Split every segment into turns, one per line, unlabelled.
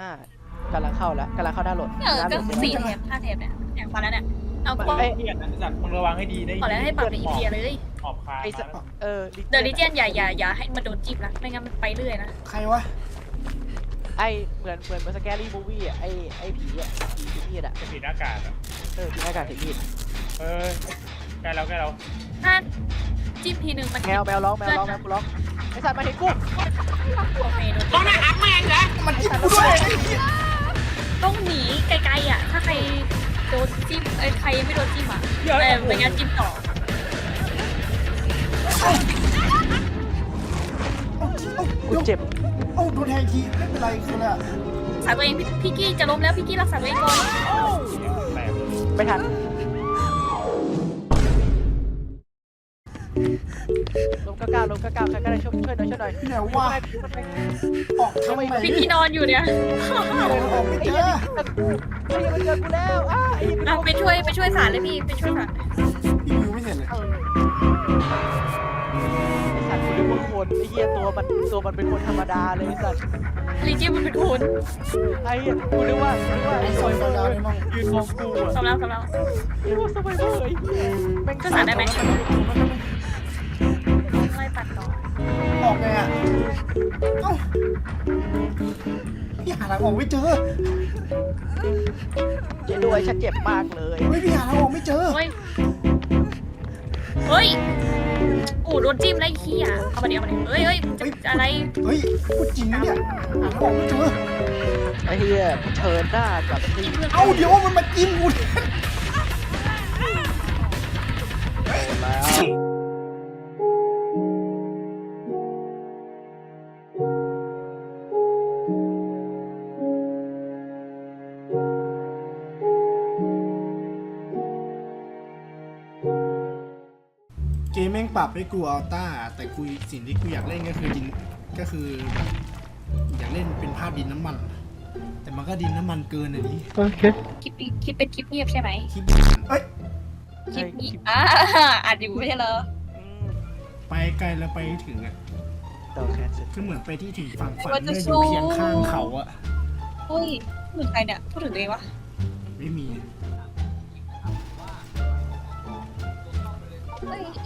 กำลังเข้าแล้วกำลังเข้าด้านรถ
ก็4 แถบ5 แถบเนี่ยแถบพอแล้วเนี่ยเอาก็
ไอ้เหี้ยนะสัตว์มึงระวังให้ดีได้
ขอแล้วให้ปรับในอีเพียเลย
ออกคา
ไอ้
มา
เ
เดอะลิเจียนอย่าให้มันโดนจิ้มนะไม่งั้นมันไปเรื่อยนะ
ใครวะ
ไอ้เหมือนสแกรี่มูวี่อ่ะไอ้ผีอ่ะผีมีดอ่ะ
จะปิดหน้ากากอ่ะ
ผีหน้ากากผีมีด
ใกล้เรา
ถ้าจิ้มทีนึงมัน
แมวร้องกูร้องไอ้สัตว์มาเห็นกู
โอเคโดน
ต้องนะอักแม่งเหรอ
มันจิ้มกูด้วย
ต้องหนีไกลๆอ่ะถ้าใครโดนจิ้มใครไม่โดนจิ้มอ่ะไม่งั้นจิ้มต่อ
กูเจ็บ
โอ้โดนแทงทีไม่เป็นไรคืออะไร
รักษาตัวเองพี่กี้จะล้มแล้วพี่กี้รักษาตัวเองก่อน
แตก
ไม่ทันลมก้าวใครก็ได้ช่วยหน่อย
พี่ไหนวะออกทำไม
พี่กี้นอนอยู่เนี่ย
ออกไม่เจอ
ไอ้มันเจอกูแล้ว
ไปช่วยสารเลยพี่ไปช่วยสาร
พี่วิวไม่เสร็จเลย
ไอ้สัตว์กูนึกว่าคนไอ้เหี้ยตัวมันเป็นคนธรรมดาเลยไอ้สัตว์
ลีเจียมันเป็นคน
ไอ้เหี้ยกูนึกว่าไอ้ซอยดาวนี่มั้งยืนมองกูอ่ะ
สำแล้ว
นี่ว่าสบายเลยแม่ง
ก็สารได้ไหมไม่ปัดต่อ
ออกไงอ่ะเอ้าพี่หาทางออกไม่เจอ
เจ๊ด้วยฉันเจ็บมากเลย
เฮ้ยพี่หาทางออกไม่เจอ
เฮ้ยโดนจิ้มแล้วขี้อ่ะเอามาเดี๋ยวเฮ้ยอะไร
เฮ้ยพูดจริงนะเนี่ยหาทางออกไม่เจอ
ไอ้เหี้ยเชิญหน้ากับที่
เอ้าเดี๋ยวมันมาจิ้มกู
แล้ว
เกมแม่งปรับให้กูอัลต้าแต่กูสิ่งที่กูอยากเล่นก็คือแบบอยากเล่นเป็นภาพดินน้ำมัน แต่มันก็ดินน้ำมันเกินอันนี้
โอเค
คลิปเป็นคลิปเงียบใช่ไหม
คลิปเอ้ย
คลิปนี้อัดอยู่ไม่ใช่เหรอ
ไปไกลแล้วไปให้ถึงอ่ะ
ดอกแคสเซ็ต
คือเหมือนไปที่ถึงฝั่งฝันเมื่ออยู่เพียงข้างเขาอะ
เฮ้ยพูดถึงใครเนี่ยพูดถึงตัวเองวะ
ไม่มี
เฮ้ย
ก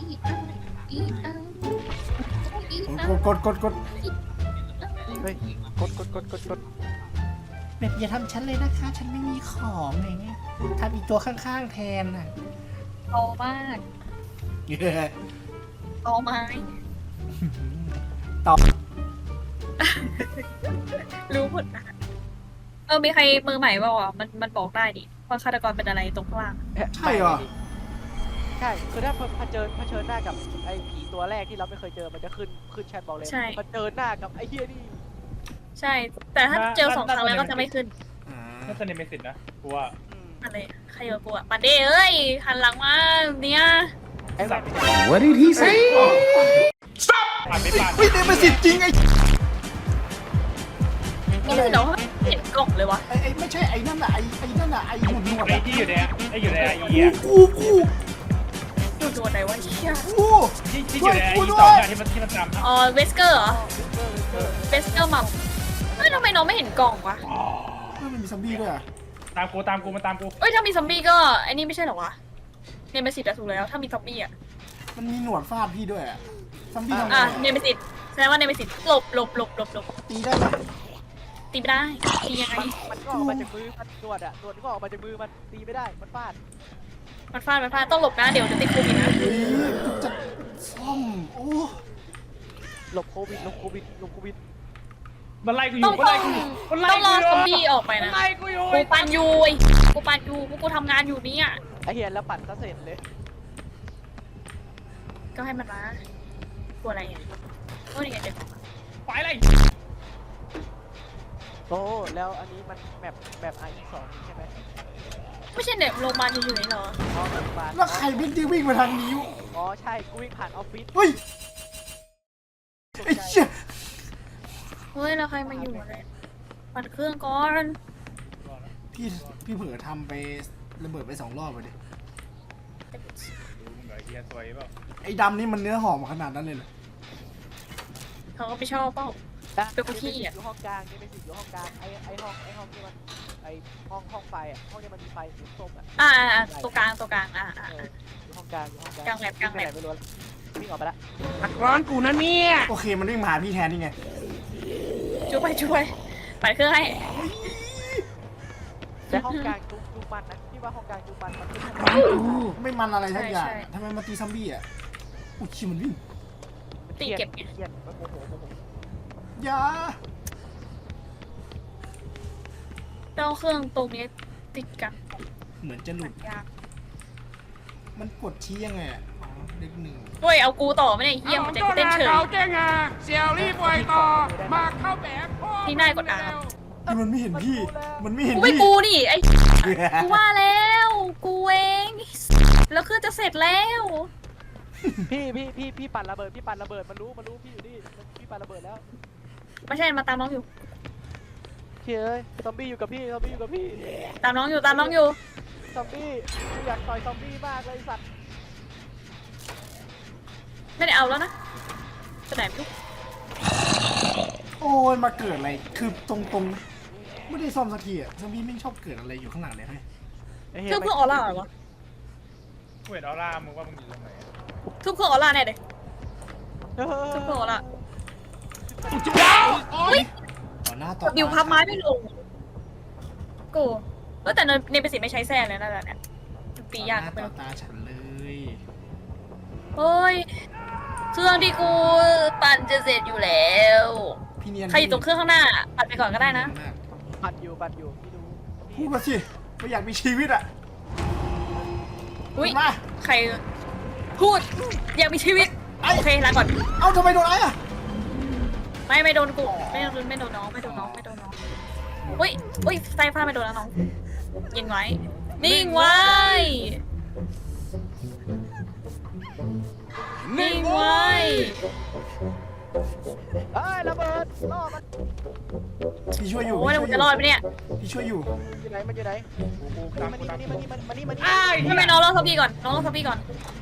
ด
เฮ้ยกด
แบบอย่าทำฉันเลยนะคะ ฉันไม่มีของอะไรเงี้ยทำอีกตัวข้างๆแทนอ่ะ
โตมากโตไม้
ต่อ
รู้หมดนะมีใครมือใหม่เปล่าอ่ะมันบอกได้ดิว่าฆาตกรเป็นอะไรตรงข้างล่าง
ใช่เหรอ
ใช่คือถ้าเผชิญหน้ากับไอ้ผีตัวแรกที่เราไม่เคยเจอมันจะขึ้นแชทบอกเลยเผชิญหน้ากับไอ้เหี้ยนี่
ใช่ แต่ถ้าเจอ2 ครั้งแล้วก็จะไม่ขึ้น
น่าจะเนเมสิตนะกูว่า
อะไรใครเจอกูอ่ะปันเด้เอ้ยหันหลังมาเนี่ย
ไอ้สัตว์
What did he say
ผ่านไม่ผ่าน
เฮ้ยเดมสิทธิ์จริงไอ้
นี่คือเดี๋ยวเห็นกล่องเลยวะ
ไม่ใช่ไอ้นั่นน่ะไอ้นั่นน่ะไอ้หนวด
ไอ้ที่อยู่ในไอ้เหี้ย
กู
ดูตัวไหนวะเชี่ย
ที่อยู่ในไอ้สองอย่างที่มันตาม
อ๋อเวสเกอร์เหรอเวสเกอร์มัมเฮ้ยทำไมน้องไม่เห็นกล่องวะ
มันมีซอมบี้ด้วยอ่ะ
ตามกูมาตามกู
เอ้ยถ้ามีซอมบี้ก็ไอ้นี่ไม่ใช่เหรอวะเนมสิตถูกแล้วถ้ามีซอมบี้อ่ะ
มันมีหนวดฟาดพี่ด้วยอ่ะซอมบี้ทำไง
เนมสิตแสดงว่าเนมสิตหลบ
ตีได้ไหม
ตีไม่ได้ตียังไง
มันก็ออกมาจากมือมันตรวจก็ออกมาจากมือมันตีไม่ได้มันฟาด
มันฟาดต้องหลบนะเดี๋ยวจะติดโควิดนะ
จะซ่อมโอ้
หลบโควิด
มันไล่กูอ
ต้อยู่ ง
มันไล่กูอยู่มันไล่
ต้องร
กู
อ
อยู่
ซอมบี้ออกไป
มัน
นะ
ไล่กูอยู่
กูปันยูกูทำงานอยู่นี่อ่ะ
ไอ้เหี้ยแล้วปั่นซะเสร็จเลย
ก็ให้มันมาตัวอะไรอ่ะโอ้ยนี่ไงเด็ก
ไปเลย
โอ้แล้วอันนี้มันแบบRE2ใช่ไหม
ไม่ใช่เด็กโรงพยาบาลอยู่ไหนเหรอ
อ๋อโรงพยาบาล
แล้วใครวิ่งที่วิ่งมาทางนี้
อ๋อใช่กูวิ่งผ่านออฟฟิศ
เฮ้ยไอ้เหี้ย
เฮ้ยแล้วใครมาอยู่อะไรปัดเครื่องก่อน
พี่เผลอทำไประเบิดไป2 รอบเลยดิ
ไอ้เหี้ยสวยเปล่า
ไอ้ดำนี่มันเนื้อหอมขนาดนั้นเลยเหรอ
เขาก็ไม่ชอบเปล่าเป็นคนขี้เกียจ
อยู่ห้องกลางนี่เป็นอยู่ห้องกลางไอห้องที่มันไอห้องไฟอ่ะห้องที่มันมีไฟสีส้มอ่ะ
ตัวกลาง
อยู่ห้องกลางอยู่ห้องกลาง
กลางแลบกลางแลบ
ไม่รู้วิ่งออกไปละ
ตักร้อนกูนะเนี่ย
โอเคมันวิ่งมาหาพี่แทนนี่ไง
ช่วยปั่นเครื่องให้
แต่ห้องกลางจุกมันนะพี่ว่าห้องกลางจุกมันมันขึ้น
ไม่มันอะไรทักอย่างทำไมมาตีซัมบี้อ่ะอุ้ยชิมันวิ่ง
ตีเก็บไง
เครียดมันโมโห
อย่า
เจ้าเครื่องตรงนี้ติดกัน
เหมือนจะหลุด
ยาก
มันกดชี้ยังไงอ่ะอ๋อเลขหนึ่ง
ด้วยเอากูต่อไม่ได้เยี่ยมมันจะเต้นเฉย
เขาเจ้งอ่ะเสี่ยวรีบปล่อยต่อ มาเข้าแบบพ่อ
ที่ได้กดอ่าน
คือมันไม่เห็นพี่ มันไม่เห็น
กูไม่
พี่
กูนี่ไอ้กูว่าแล้วกูเองแล้วเครื่องจะเสร็จแล้ว
พี่ปั่นระเบิดมันรู้พี่อยู่นี่พี่ปั่นระเบิดแล้ว
ไม่ใช่มาตามน้องอยู่
เฮ้ยซอมบี้อยู่กับพี่
ตามน้องอยู่
ซอมบี้กูอยากต่อยซอมบี้มากเลยสัตว์
ไม่ได้เอาแล้วนะไปไหนไม่รู้
โอ้ยมาเกิดอะไร คือตรงๆไม่ได้ซ่อมสักทีอ่ะซอมบี้ไม่ชอบเกิดอะไรอยู่ข้างหลังเลยให้
เครื่องเพื่อออร่าเหรอวะ
กูเห็นออร่ามึงว่ามึงอยู่ตรงไหน
เครื่องเพื่อออร่าแน่เลยเครื่องเพื่อออร่า
ต่อหน้าต่อ
ดิวพับไม้ไม่ลงกูแต่เนเปสิไม่ใช้แซ่เลยนะเนี่ยตียาก
ต่อห
ไป
น้าต่อตาฉันเลย
เฮ้ยเครื่องที่กูปั่นจะเสร็จอยู่แล้ว
พี่เนียน
ใครอยู่ตรงเครื่องข้างหน้าปั่นไปก่อนก็ได้นะ
ปั่นอยู่พี่ดู
พูดมาสิไม่อยากมีชีวิตอ่ะ
อุ้ย
มา
ใครพูดอยากมีชีวิตโอเคลาก่อน
เอ้าทำไมโดนไอ้อ่ะ
ไม่โดนกูไม่โดนน้องอุ้ยไฟฟ้าไม่โดนแล้วน้องยิงไว้นิ่งไว้นิ่งไว้
เฮ้ยระเบิดล่อมัน
พี่ช่วยอยู่
โอ้ยแล้วกูจะรอดไหมเนี่ย
พี่ช่วยอยู่
อยู่ไหนมันอยู่ไหน
กูตาม
มานี่
อ้าย
ทำไมน้องรอทับพี่ก่อนน้องรอทับพี่ก่อน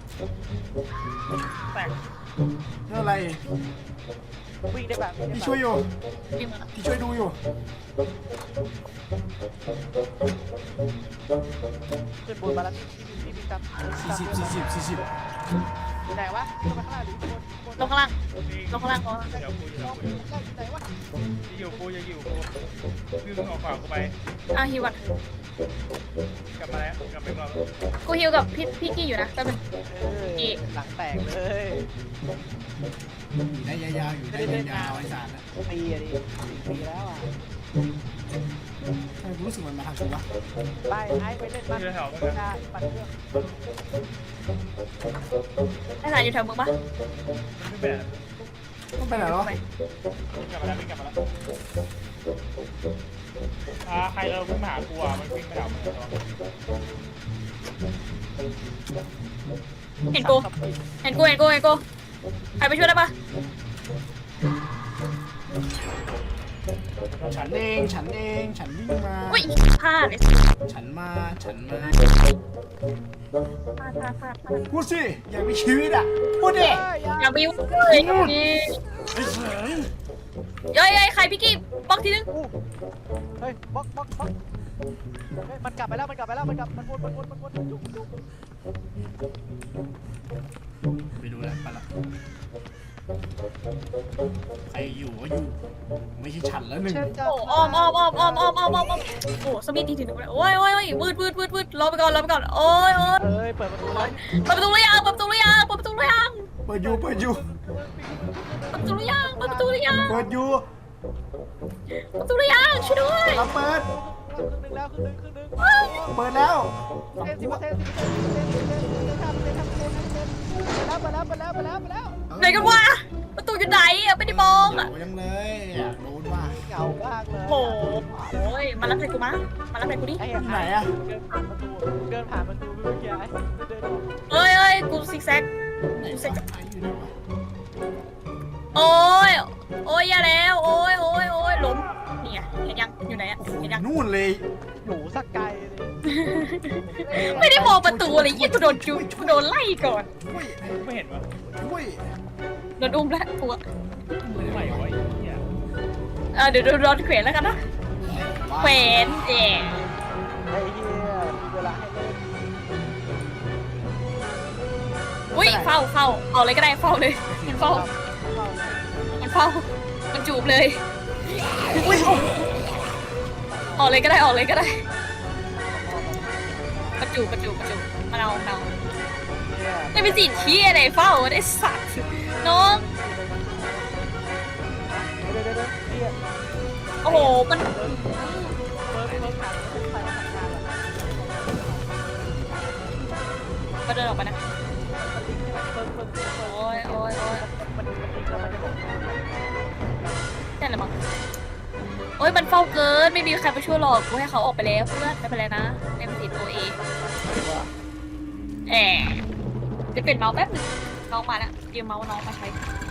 แตก
เรื่องอะไร
วิ่งได้แบบ
พี่ช่วยอยู่
วิ่งมา
พี่ช่วยดูอยู่
ขึ้นบนมาแล้วพี่วิ่งตาม
40
อยู่ไหนวะขึ้นมาข้างล่างหรือข้างบน
ลงข้างล่างลงข้างล่างก่อน
เดี๋ยวกูอยู่
ไหนวะ
อยู่กูคือมึงออกขวากูไป
ฮิวก่อน
กลับมาแล้วกลับไปรอบ
กูฮิวกับพี่กี้อยู่นะแป๊บนึง
หลังแตกเลย
อยู่ได้ยาวๆอยู่ได้ยาวๆไอ้สารนะ
ปีอะดิปีแล้วอ่ะ
ทำไมกูรู้สึกมันมาทางกูวะ
ไปไอ้ไปเล่นบ้านปั่นเครื่อง
ไอ้สายอยู่แถวมึงปะ
มันไม่แบบ
ต้องไปไหนหรอ
วิ่งกลับมาแล้วใครวิ่งมาหากูอ่ะมันวิ่งไปหามึง
เห็นกูใครไปช่วยได้ปะ
ฉันเองฉันวิ่งมา
อุ้ยพลาดเลย
ฉันมา
พลาด
พูดสิอยากมีชีวิตอ่ะพูดดิ
อย่าบิ้วเลยนี่
ไอ้เสือ
เย้ยใครพี่กี้บล็อกทีนึง
เฮ้ยบล็อกมันกลับไปแล้วมันวนจุ๊บ
ไปดูแล้วไปละใครอยู่ก็อยู่ไม่ใช่ฉันแล้วหนึ่ง
โอ้อ้อมโอ้สมิธทีถึงเลยโอ้ยวืดรอไปก่อนโอ้ย
เอ้ยเปิดประตูแล้ว
เปิดประตูหรือยัง
เปิดอยู่
เปิดประตูหรือยังช่วยด้วย
เราเปิด
ครึ่งนึงแล้วครึ่งนึง
เปิดแล้ว
10%ไปแล้ว
ไหนกันวะประตูอยู่ไหนอะไม่ได้มองอะ
โยังเลยอยากโดนว่า
เก่ามากเลย
โอ้ยมารับใครกูมารับใครกูดิ
ไอ้เดินผ่านประตูเมื่อกี้ไอ้เดินออก
เอ้ยกูซิกแซก
ไหนวะไอ้อยู่ไหนวะ
โอ้ยอย่าแล้วโอ้ยล้มนี่ไงเห็นยังอยู่ไหนอะ
โอ้โห
เห็นยัง
นู่นเลย
อยู่สักไกลเลย
ไม่ได้มองประตูอะไรยี่กูโดนจุกูโดนไล่ก่อน
ช่วย
ไม่เห็นวะ
ช่วย
โดนอุ้มแล้วตัว
ไม่ไหวไอ้เหี้ย
เดี๋ยวโดนเขวนแล้วกันนะเขวน
ไอ้เหี้ยมีเวลาให้เล่น
อุ้ยเฝ้าเอาเลยก็ได้เฝ้าเลยมันเฝ้ามันจูบเลยอุ้ยออกเลยก็ได้มาจูบมาเอาไม่เป็นสิ่งที่อะไรเฝ้าได้สัตว์น้องโอ้โหมันก็เดินออกไปนะโอ้ยนั่นแหละมั้งโอ้ยมันเฝ้าเกินไม่มีใครมาช่วยหรอกกูให้เขาออกไปแล้วเพื่อนไม่เป็นไรนะในมันติดตัวเองจะเป็นเมาส์แป๊บนึงน้องมาแล้วยืมเมาส์น้องมาใช้